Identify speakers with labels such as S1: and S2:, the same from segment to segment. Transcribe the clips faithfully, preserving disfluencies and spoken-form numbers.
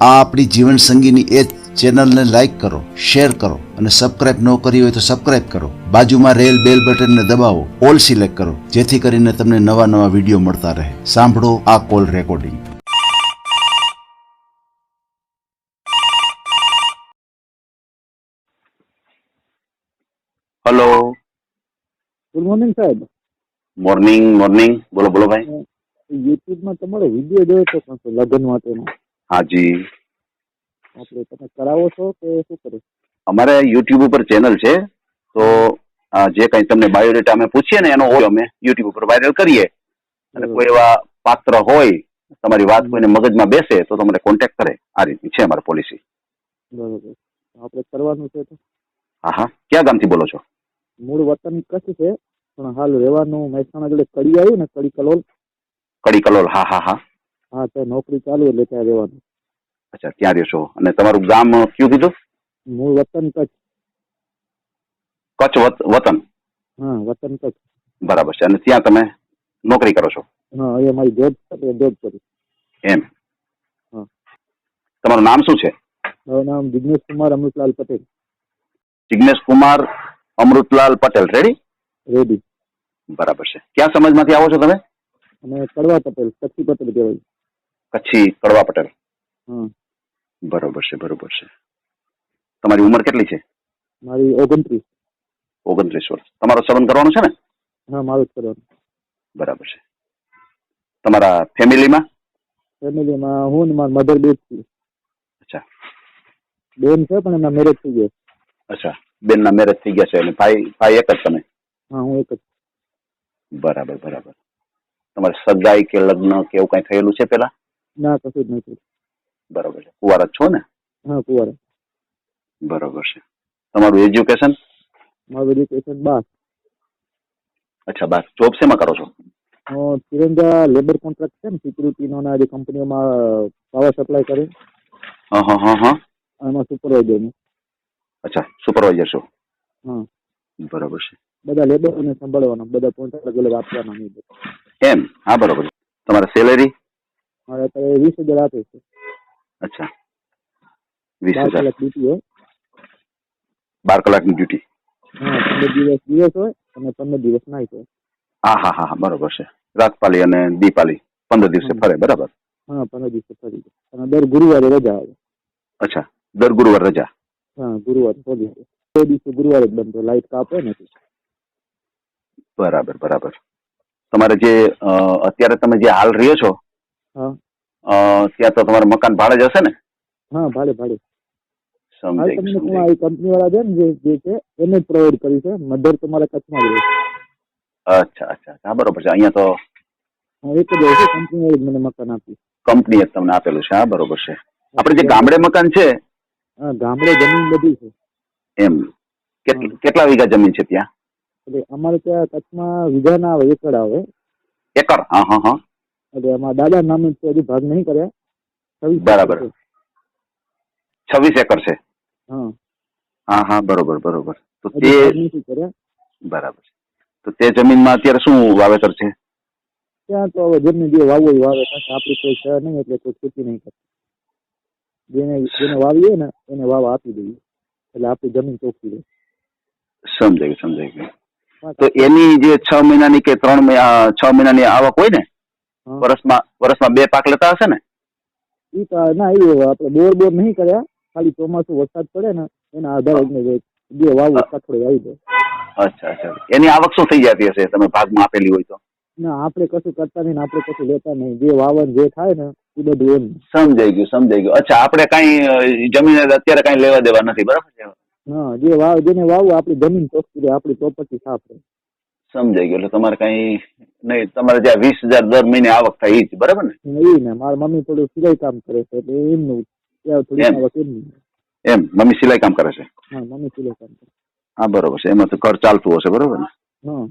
S1: આ આપણી જીવન સંગીની એ ચેનલને લાઈક કરો, શેર કરો અને સબસ્ક્રાઇબ ન કરી હોય તો સબસ્ક્રાઇબ કરો. બાજુમાં રેલ બેલ બટનને દબાવો, ઓલ સિલેક્ટ કરો, જેથી કરીને તમને નવા નવા વિડીયો મળતા રહે. સાંભળો આ call recording.
S2: Hello,
S3: good morning સાહેબ.
S2: મોર્નિંગ મોર્નિંગ બોલો બોલો ભાઈ.
S3: યુટ્યુબમાં તમારો વિડીયો જોયો તો પણ લગ્ન માટેનો.
S2: હાજી,
S3: આપણે તમે કરાવો છો કે શું કરો?
S2: અમારે યુટ્યુબ ઉપર ચેનલ છે, તો આ જે કંઈ તમને બાયોડેટા અમે પૂછીએ ને એનો હોય અમે યુટ્યુબ ઉપર વાયરલ કરીએ. અને કોઈ એવા પાત્ર હોય, તમારી વાત કોઈને મગજમાં બેસે તો તમને કોન્ટેક્ટ કરે. આ રીતની છે અમારી પોલિસી.
S3: બરોબર, આપણે કરવાનું છે તો.
S2: હા હા, ક્યાં ગામથી બોલો છો?
S3: મૂળ વતન કચ્છ છે, પણ હાલ રહેવાનું મહેસાણા જોડે કડી આવ્યું ને, કડી કલોલ.
S2: કડી કલોલ, હા હા હા.
S3: હા, ત્યાં નોકરી ચાલુ એટલે ત્યાં રહેવાનું.
S2: અચ્છા, ત્યાં રહ્યો છો. અને તમારું ગામ કયું કીધું?
S3: મૂળ વતન કચ્છ.
S2: કચ્છ વત- વતન.
S3: હા, વતન કચ્છ.
S2: બરાબર છે. અને ત્યાં તમે નોકરી કરો છો?
S3: હા, અહીંયા મારી જોબ છે, જોબ કરું.
S2: એમ.
S3: હા.
S2: તમારું નામ શું છે?
S3: મારું નામ જિગ્નેશ કુમાર અમૃતલાલ પટેલ.
S2: જિગ્નેશ કુમાર અમૃતલાલ પટેલ. રેડી?
S3: રેડી.
S2: બરાબર છે. ક્યાં સમાજમાંથી આવો છો તમે?
S3: અને કડવા પટેલ, કચ્છી પટેલ કહેવાય.
S2: કચ્છી કડવા પટેલ.
S3: હા.
S2: બરોબર છે, બરોબર છે. તમારી ઉંમર કેટલી છે?
S3: મારી ઓગણત્રીસ.
S2: ઓગણત્રીસ વર્ષ. તમારો સંબંધ કરવાનો છે ને?
S3: હા, મારું જ કરવાનું.
S2: બરાબર છે. તમારા ફેમિલીમાં?
S3: ફેમિલીમાં હું ને મારા મધર બે જ છીએ.
S2: અચ્છા.
S3: બેન છે પણ એમના મેરેજ થઈ ગયા.
S2: અચ્છા, બેનના મેરેજ થઈ ગયા છે અને ભાઈ ભાઈ એક જ તમે?
S3: હા, હું એક જ.
S2: બરાબર બરાબર. તમારે સગાઈ કે લગ્ન કે એવું કઈ થયેલું છે પેલા?
S3: ના, કશું જ નથી.
S2: બરોબર છે. કુંવારા જ છો ને?
S3: હા, કુંવારા.
S2: બરોબર છે. તમારું એજ્યુકેશન?
S3: મારું એજ્યુકેશન બાર.
S2: અચ્છા, બાર. જોબ શેમાં કરો છો?
S3: તિરંગા લેબર કોન્ટ્રાક્ટ છે ને, સિક્યુરિટીનો ના જે કંપનીઓમાં પાવર સપ્લાય કરે.
S2: હા હા હા હા.
S3: એમાં સુપરવાઇઝર.
S2: અચ્છા, સુપરવાઇઝર છો?
S3: હા.
S2: બરોબર છે.
S3: બધા લેબરોને સંભાળવાના, બધા કોન્ટ્રાક્ટ અલગ અલગ આપવાના નહીં.
S2: એમ? હા, બરોબર. તમારે સેલેરી?
S3: મારે અત્યારે વીસ હજાર આપે છે.
S2: અચ્છા, વીસ
S3: બાર
S2: હજાર
S3: કલાક ડ્યુટી હોય.
S2: બાર કલાકની ડ્યુટી?
S3: હા, પંદર દિવસ દિવસ હોય અને પંદર દિવસ નાઈટ હોય.
S2: હા હા હા હા, બરોબર છે. રાતપાલી અને દીપાલી પંદર દિવસે ફરે, બરાબર?
S3: હા, પંદર દિવસે ફરી જાય. અને દર ગુરુવારે રજા આવે.
S2: અચ્છા, દર ગુરુવાર રજા?
S3: હા, ગુરુવારે ફરી જાય. બે દિવસે ગુરુવારે જ બંધ હોય, લાઈટ કાપ હોય ને.
S2: બરાબર બરાબર. તમારે જે અ, અત્યારે તમે જે હાલ રહ્યો છો,
S3: હા.
S2: અ, ત્યાં તો તમારે મકાન ભાડે જ હશે ને?
S3: હા, ભાડે ભાડે. હાલ
S2: સમજાઈ
S3: તમને
S2: ગયું,
S3: હું
S2: સમજાઈ
S3: આ કંપની વાળા છે ને, જે જે છે એને જ પ્રોવાઈડ કરી છે. મધર તમારા કચ્છમાં જ રહે છે.
S2: ગયું. અચ્છા અચ્છા, હા, બરોબર છે. અહીંયા તો
S3: હા, એક જ હોય છે, કંપની વાળી જ મને મકાન આપ્યું.
S2: કંપનીએ જ તમને આપેલું છે. હા, બરોબર છે. આપણે જે ગામડે મકાન છે,
S3: હા, ગામડે જમીન બધી છે.
S2: એમ કેટલ- કેટલા વીઘા જમીન છે ત્યાં?
S3: એટલે અમારે ત્યાં કચ્છમાં વીઘા ના આવે, એકડ આવે.
S2: એકર? હા હા હા.
S3: એટલે અમારા દાદા નામે છે, હજી ભાગ નહીં કર્યા. છવ્વીસ એકર
S2: બરાબર.
S3: છે.
S2: છવ્વીસ એકર છે?
S3: હા.
S2: હા હા, બરોબર બરોબર. તો તે
S3: હજી ભાગ નથી કર્યા.
S2: બરાબર છે. તો તે જમીનમાં અત્યારે શું વાવેતર છે?
S3: ત્યાં તો હવે જેમને જે વાવવું હોય વાવે, કારણ કે આપણી કોઈ છે નહીં એટલે કોઈ ખેતી નહીં કરતી. જેને જેને વાવીએ ને એને વાવા આપી દઈએ, એટલે આપણી જમીન ચોખ્ખી રહે.
S2: સમજાય ગયું, સમજાય ગયું.
S3: હા,
S2: તો
S3: આપણે
S2: એની જે છ મહિનાની કે ત્રણ મહિના છ મહિનાની આવક હોય ને,
S3: હા.
S2: વર્ષમાં વર્ષમાં બે પાક લેતા હશે ને?
S3: ઈ તો ના, એ આપણે બોર બોર નહીં કર્યા, ખાલી ચોમાસું વરસાદ પડે ને એના આધારે જે વાવવું કઠોળે આવી જાય.
S2: અચ્છા અચ્છા. એની આવક શું થઈ જતી હશે તમે ભાગમાં આપેલી હોય તો?
S3: ના, આપણે કશું કરતા નહીં ને આપણે કશું લેતા નહીં. જે વાવન જે થાય ને એ બધું એમ.
S2: સમજાઈ ગયું, સમજાઈ ગયું. અચ્છા, આપણે કઈ જમીન અત્યારે કઈ લેવા દેવા નથી, બરાબર છે?
S3: હા, જે વાવ જેને વાવવું આપણી જમીન ચોખ્ખી રહે, આપણી પ્રોપર્ટી સાફ રહે.
S2: સમજાઈ ગયું. એટલે તમારે કઈ નહીં, તમારે જ્યાં વીસ હજાર દર મહિને આવક થાય એ જ, બરાબર ને?
S3: એ ને મારા મમ્મી થોડું સિલાઈ કામ કરે છે એટલે એમનું ત્યાં થોડી
S2: એમ
S3: આવક એમની.
S2: એમ મમ્મી સિલાઈ કામ કરે છે?
S3: હા, મમ્મી સિલાઈ કામ કરે.
S2: હા, બરોબર છે. એમાં તો ઘર ચાલતું હશે, બરોબર ને?
S3: હા,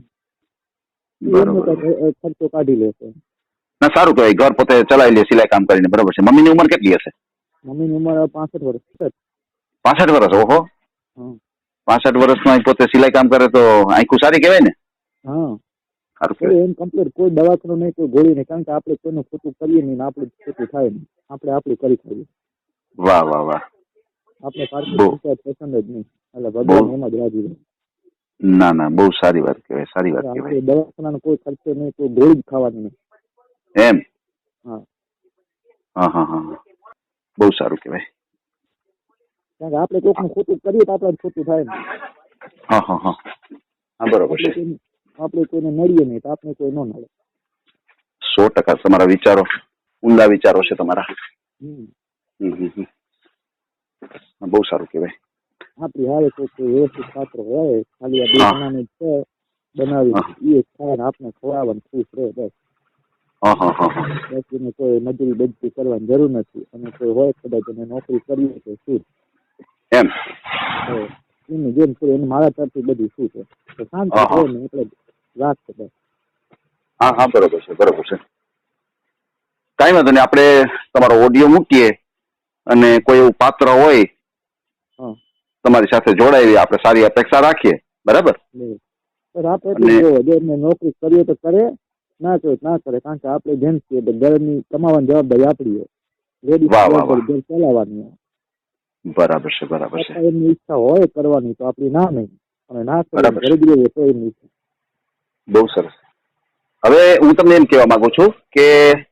S3: એમનો
S2: બરોબર.
S3: કંઈક ખર્ચો કાઢી લેશે.
S2: ના, સારું કહેવાય. ઘર પોતે ચલાવી લે સિલાઈ કામ કરીને, બરોબર છે. મમ્મીની ઉંમર કેટલી હશે?
S3: મમ્મીની ઉંમર પાસઠ વર્ષ છે.
S2: પાસઠ વર્ષ? ઓહો,
S3: હા.
S2: પાસઠ વર્ષમાં પોતે સિલાઈ કામ કરે તો આંખું સારી કહેવાય ને?
S3: હા,
S2: સારું
S3: કોઈ
S2: કહેવાય.
S3: એમ કમ્પ્લીટ કોઈ દવાખાનું નહીં, કોઈ ગોળી નહીં, કારણ કે આપણે કોઈનું ખોટું કરીએ નહીં ને આપણે ખોટું થાય નહીં. આપણે આપણું કરી ખાઈએ.
S2: વાહ વાહ વાહ.
S3: આપણે પારકી
S2: બહુ.
S3: પંચાયત પસંદ જ નહીં, એટલે ભગવાન એમાં જ રાજી રહે.
S2: ના ના, બહુ સારી વાત કહેવાય, સારી વાત
S3: આપણે
S2: કહેવાય.
S3: દવાખાનાનો કોઈ ખર્ચો નહીં, કોઈ ગોળી જ ખાવાની નહીં.
S2: એમ?
S3: હા,
S2: હા હા હા હા. બહુ સારું કહેવાય.
S3: કારણ કે આપણે કોઈકનું ખોટું કરીએ તો આપણે જ ખોટું થાય ને.
S2: હા હા હા. હા બરોબર
S3: આપણે
S2: છે.
S3: કોઈને આપણે કોઈને નડીએ નહીં તો આપણે કોઈ ન નડે.
S2: સો ટકા તમારા વિચારો ઊંડા વિચારો છે તમારા.
S3: હમ.
S2: હમ હમ હમ. હા, બહુ સારું કહેવાય.
S3: આપણી હારે કોઈ કોઈ વ્યવસ્થિત પાત્ર હોય, ખાલી આ બે
S2: હા.
S3: જણાને છે બનાવી,
S2: હા
S3: એ ખાય ને આપણે ખવડાવવાનું ખુશ રહે બસ.
S2: હા હા હા હા.
S3: બસ એને કોઈ મજૂરી બજરી કરવાની જરૂર નથી. અને કોઈ હોય કદાચ એને નોકરી કરવી છે શું
S2: એમ?
S3: એની જેમ શું એને મારા તરફથી બધું શું છે તો શાંતિ
S2: હા હા.
S3: રહે ને એટલે રાખશે બસ.
S2: હા હા બરોબર છે, બરોબર છે. કાંઈ વાંધો નહીં, આપણે તમારો ઓડિયો મૂકીએ અને કોઈ એવું પાત્ર હોય
S3: હા
S2: તમારી સાથે જોડાય, આપણે સારી અપેક્ષા રાખીએ, બરાબર?
S3: બસ આપણે
S2: અને
S3: એટલું જોવો, જો એમને નોકરી કરીએ તો કરે, ના કરે તો ના કરે. કારણ કે આપણે જેમ છીએ તો ઘરની કમાવાની જવાબદારી આપણી હોય, લેડીઝ
S2: વાહ વાહ વાહ.
S3: જવાબદારી ઘર ચલાવવાની હોય.
S2: બરાબર છે, બરાબર છે,
S3: છતાં એમની ઈચ્છા હોય કરવાની તો આપણી ના નહીં, અને ના કરે
S2: બરાબર
S3: ઘરે
S2: છે.
S3: જ રહીએ તો એમની ઈચ્છા.
S2: બહુ સરસ. હવે હું તમને એમ કહેવા માંગુ છું કે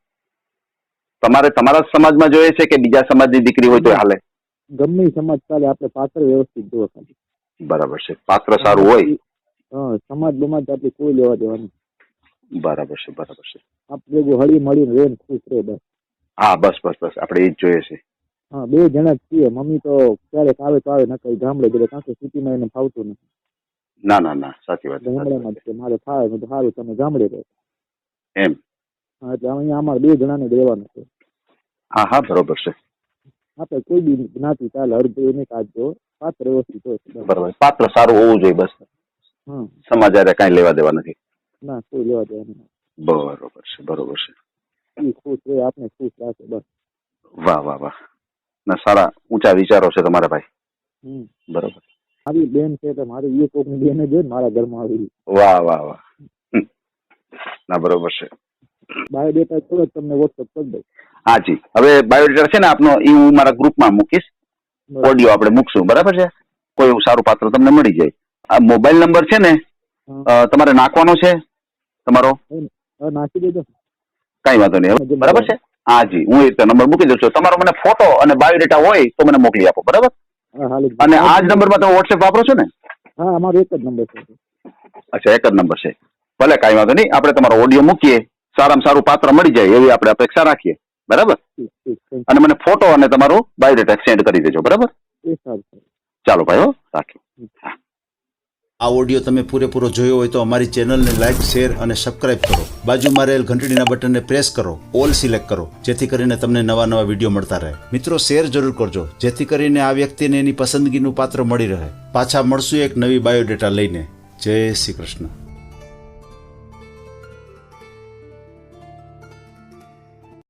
S2: તમારે તમારા જ સમાજમાં જોઈએ છે કે બીજા સમાજની દીકરી હોય તો હાલે?
S3: ગમે ઈ સમાજ ચાલે, આપણે પાત્ર વ્યવસ્થિત જોવો ખાલી.
S2: બરાબર છે. પાત્ર
S3: અને
S2: સારું હોય.
S3: બાકી હા, સમાજ બમાજ આપણે કોઈ લેવા દેવાનું.
S2: બરાબર છે, બરાબર છે.
S3: આપણે જો હળી મળીને રહે ને ખુશ રહે બસ.
S2: હા બસ બસ બસ, આપણે એ જ જોઈએ છે.
S3: હા, બે જણા જ છીએ. મમ્મી તો ક્યારેક આવે તો આવે, નકર ગામડે ગયેલા, કારણ કે સિટીમાં એને ફાવતું નથી.
S2: ના ના ના, સાચી વાત છે, સાચી
S3: ગામડામાં
S2: વાત
S3: જ
S2: છે.
S3: છે. મારે થાય મેં તો સારું, તમે ગામડે રહો.
S2: એમ?
S3: હા, એટલે અહીંયા અમારે બે જણાને જ રહેવાનું છે.
S2: હા હા બરોબર છે,
S3: આપણે કોઈ બી જ્ઞાતિ ચાલે, અડધો એને કાઢજો, પાત્ર વ્યવસ્થિત હોય તો બસ.
S2: બરોબર. પાત્ર સારું હોવું જોઈએ બસ.
S3: હા,
S2: સમાજ હારે કાંઈ લેવા દેવા નથી.
S3: ના કોઈ લેવા દેવાનું નહીં.
S2: બરોબર છે, બરોબર છે.
S3: એ ખુશ રહે, આપણે ખુશ રાખે બસ.
S2: વાહ વાહ વાહ. ના, સારા ઊંચા વિચારો છે તમારા ભાઈ.
S3: હમ.
S2: બરોબર.
S3: મારી બેન છે તો મારી એ કોકની બેન જ હોય ને મારા ઘરમાં આવી.
S2: વાહ વાહ વાહ. હમ. ના, બરોબર છે.
S3: બાયોડેટા થોડો જ તમને વોટ્સઅપ કરી દઉં.
S2: હા જી. હવે બાયોડેટા છે ને આપનો, એ હું મારા ગ્રુપમાં મૂકીશ.
S3: બરાબર.
S2: ઓડિયો આપણે મૂકશું, બરાબર છે? કોઈ એવું સારું પાત્ર તમને મળી જાય. આ મોબાઈલ નંબર છે ને,
S3: હા.
S2: અ, તમારે નાખવાનો છે તમારો?
S3: હવે નાખી દેજો.
S2: કાંઈ વાંધો નહીં. હવે બરાબર છે? હા જી, હું એ રીતે નંબર મૂકી દઉં છું. તમારો મને ફોટો અને બાયોડેટા હોય તો મને મોકલી આપો, બરાબર?
S3: હા, હાલ
S2: અને આ જ નંબરમાં તમે વોટ્સએપ વાપરો છો ને?
S3: હા, અમારો એક જ નંબર છે.
S2: અચ્છા, એક જ નંબર છે. ભલે, કાંઈ વાંધો નહીં. આપણે તમારો ઓડિયો મૂકીએ, સારામાં સારું પાત્ર મળી જાય એવી આપણે અપેક્ષા રાખીએ, બરાબર?
S3: ઠીક ઠીક, થેન્ક
S2: અને મને ફોટો અને તમારું બાયોડેટા સેન્ડ કરી દેજો, બરાબર?
S3: યુ. એ સારું સારું.
S2: ચાલો ભાઈ, હો, રાખીએ.
S1: આ ઓડિયો તમે પૂરેપૂરો જોયો હોય તો અમારી ચેનલને લાઇક, શેર અને સબસ્ક્રાઇબ કરો. બાજુમાં રહેલ ઘંટડીના બટનને પ્રેસ કરો, ઓલ સિલેક્ટ કરો, જેથી કરીને તમને નવા નવા વિડીયો મળતા રહે. મિત્રો, શેર જરૂર કરજો, જેથી કરીને આ વ્યક્તિને એની પસંદગીનું પાત્ર મળી રહે. પાછા મળશું એક નવી બાયોડેટા લઈને. જય શ્રી કૃષ્ણ.